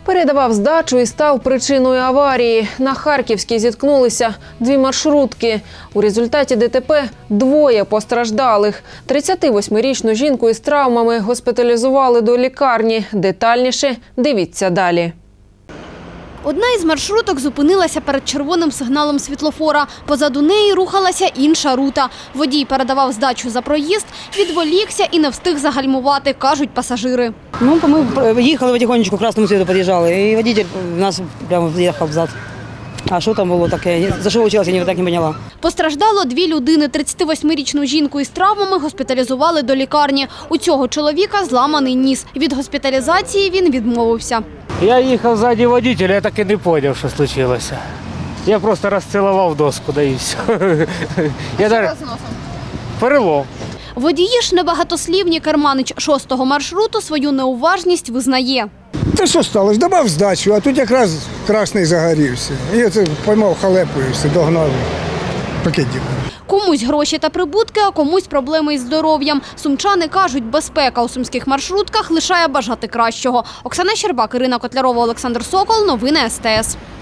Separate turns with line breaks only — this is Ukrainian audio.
Передавав здачу і став причиною аварії. На Харківській зіткнулися дві маршрутки. У результаті ДТП двоє постраждалих. 38-річну жінку із травмами госпіталізували до лікарні. Детальніше дивіться далі.
Одна із маршруток зупинилася перед червоним сигналом світлофора. Позаду неї рухалася інша рута. Водій передавав здачу за проїзд, відволікся і не встиг загальмувати, кажуть пасажири.
Ми їхали потихонечку, к красному світу під'їжджали, і водій нас прямо в'їхав взад. А що там було таке? За що вчилася, я так не поняла.
Постраждало дві людини. 38-річну жінку із травмами госпіталізували до лікарні. У цього чоловіка зламаний ніс. Від госпіталізації він відмовився.
Я їхав ззаді водителя, я так і не зрозумів, що случилося. Я просто розцілував доску, да і все. Що з носом? Перелом.
Водії ж небагатослівні. Керманич 6-го маршруту свою неуважність визнає.
Та що сталося? Давав здачу, а тут якраз красний загорівся. Я це поймав халепу і все, догнав пакетів.
Комусь гроші та прибутки, а комусь проблеми із здоров'ям. Сумчани кажуть, безпека у сумських маршрутках лишає бажати кращого. Оксана Щербак, Ірина Котлярова, Олександр Сокол. Новини СТС.